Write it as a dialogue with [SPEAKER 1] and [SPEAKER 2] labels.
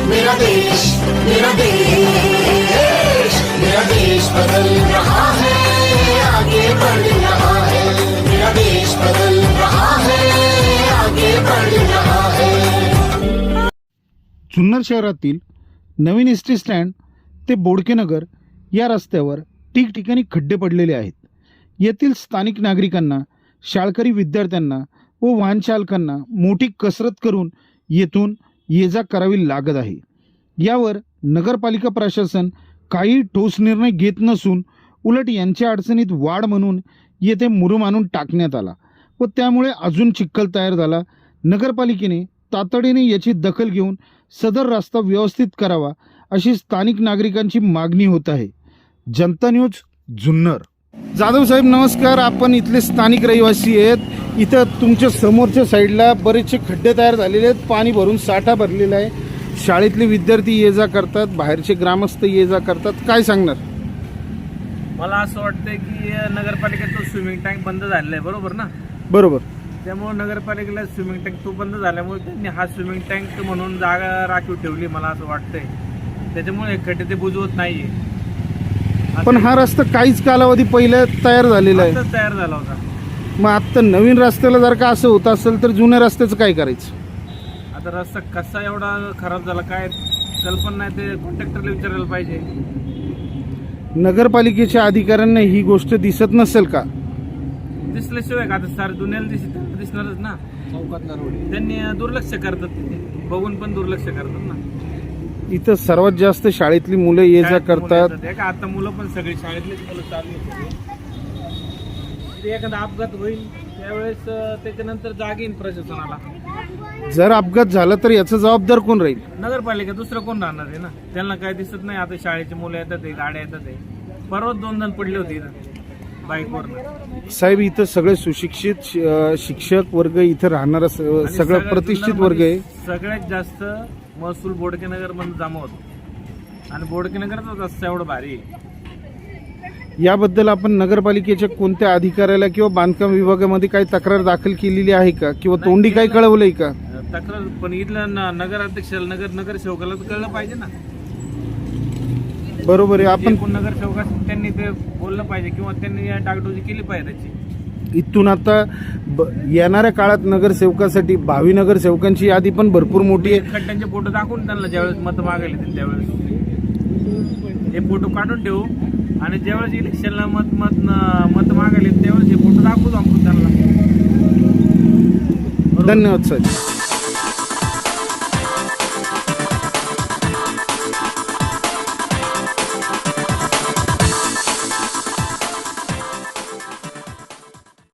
[SPEAKER 1] मेरा देश, मेरा देश, मेरा देश बदल रहा है, आगे बढ़ रहा है। मेरा देश बदल रहा है, आगे बढ़ रहा है।
[SPEAKER 2] जुन्नर शहरातील नवीन एसटी स्टँड ते बोडकेनगर या रस्त्यावर ठिकठिकाणी खड्डे पडलेले आहेत। येथील स्थानिक नागरिकांना, शाळकरी विद्यार्थ्यांना व वाहन चालकांना मोठी कसरत करून येथून ये जा करावी लागत आहे। यावर नगरपालिका प्रशासन काही ठोस निर्णय घेत नसून उलट यांच्या अडचणीत वाढ म्हणून येथे मुरुम आणून टाकण्यात आला व त्यामुळे अजून चिखल तयार झाला। नगरपालिकेने तातडीने याची दखल घेऊन सदर रस्ता व्यवस्थित करावा अशी स्थानिक नागरिकांची मागणी होत आहे। जनता न्यूज जुन्नर। जाधव साहेब नमस्कार, आपण इथले स्थानिक रहिवासी आहेत। इथं तुमच्या समोरच्या साईडला बरेचसे खड्डे तयार झालेले आहेत, पाणी भरून साठा भरलेला आहे। शाळेतले विद्यार्थी ये जा करतात, बाहेरचे ग्रामस्थ ये जा करतात, काय सांगणार?
[SPEAKER 3] मला असं वाटतंय की नगरपालिकेचा स्विमिंग टँक बंद झालेला आहे, बरोबर ना?
[SPEAKER 2] बरोबर।
[SPEAKER 3] त्यामुळे नगरपालिकेला स्विमिंग टँक तो बंद झाल्यामुळे त्यांनी हा स्विमिंग टँक म्हणून जागा राखीव ठेवली, मला असं वाटतंय। त्याच्यामुळे हे खड्डे ते बुजवत नाहीये।
[SPEAKER 2] पण हा रस्ता काहीच कालावधी पहिले तयार झालेला आहे,
[SPEAKER 3] तयार झाला होता।
[SPEAKER 2] मग आता नवीन रस्त्याला जर का असं होत असेल तर जुन्या रस्त्याचं काय करायचं?
[SPEAKER 3] आता रस्ता कसा एवढा खराब झाला काय कल्पना नाही, ते कॉन्ट्रॅक्टरला विचारायला पाहिजे।
[SPEAKER 2] नगरपालिकेच्या अधिकाऱ्यांना ही गोष्ट दिसत नसेल का?
[SPEAKER 3] दिसल्याशिवाय का आता सारे दुनियाला दिसणारच ना। चौकातला रोड त्यांनी दुर्लक्ष करतात, तिथे बघून पण दुर्लक्ष करतात ना।
[SPEAKER 2] इथं सर्वात जास्त शाळेतली मुलं ये जा करतात।
[SPEAKER 3] आता मुलं पण सगळी शाळेतलीच मुलं चालू होते। एखादा अपघात होईल त्यावेळेस त्याच्यानंतर जाग येईल प्रशासनाला।
[SPEAKER 2] जर अपघात झाला तर याचा जबाबदार कोण राहील?
[SPEAKER 3] नगरपालिका, दुसरं कोण राहणार आहे ना? त्यांना काय दिसत नाही। आता शाळेची मुलं येतात, गाड्या येतात। परवाच 2 जण पडले होते बाईकवर।
[SPEAKER 2] साहेब इथं सगळे सुशिक्षित शिक्षक वर्ग इथं राहणारा सगळं प्रतिष्ठित वर्ग आहे।
[SPEAKER 3] सगळ्यात जास्त महसूल बोडकेनगर मध्ये जमा होतो आणि बोडकेनगरचा रस्ता एवढं भारी आहे।
[SPEAKER 2] याबद्दल आपण नगरपालिकेच्या कोणत्या अधिकाऱ्याला किंवा बांधकाम विभागामध्ये काही तक्रार दाखल केलेली आहे का किंवा तोंडी काही कळवलंय का?
[SPEAKER 3] तक्रार पण इथल्या नगराध्यक्षाला नगरसेवकाला तर कळलं पाहिजे ना।
[SPEAKER 2] बरोबर आहे। आपण
[SPEAKER 3] नगरसेवका त्यांनी ते बोललं पाहिजे किंवा त्यांनी डागडोजी केली पाहिजे त्याची।
[SPEAKER 2] इथून आता येणाऱ्या काळात नगरसेवकासाठी भावी नगरसेवकांची यादी पण भरपूर मोठी आहे।
[SPEAKER 3] खड्ड्यांचे फोटो दाखवून त्यांना ज्यावेळेस मत मागायला येतील त्यावेळेस हे फोटो काढून ठेवू आणि ज्यावेळेस इलेक्शनला मत मागायला त्यावेळेस हे फोटो दाखवू आपण त्यांना।
[SPEAKER 2] धन्यवाद साहेब।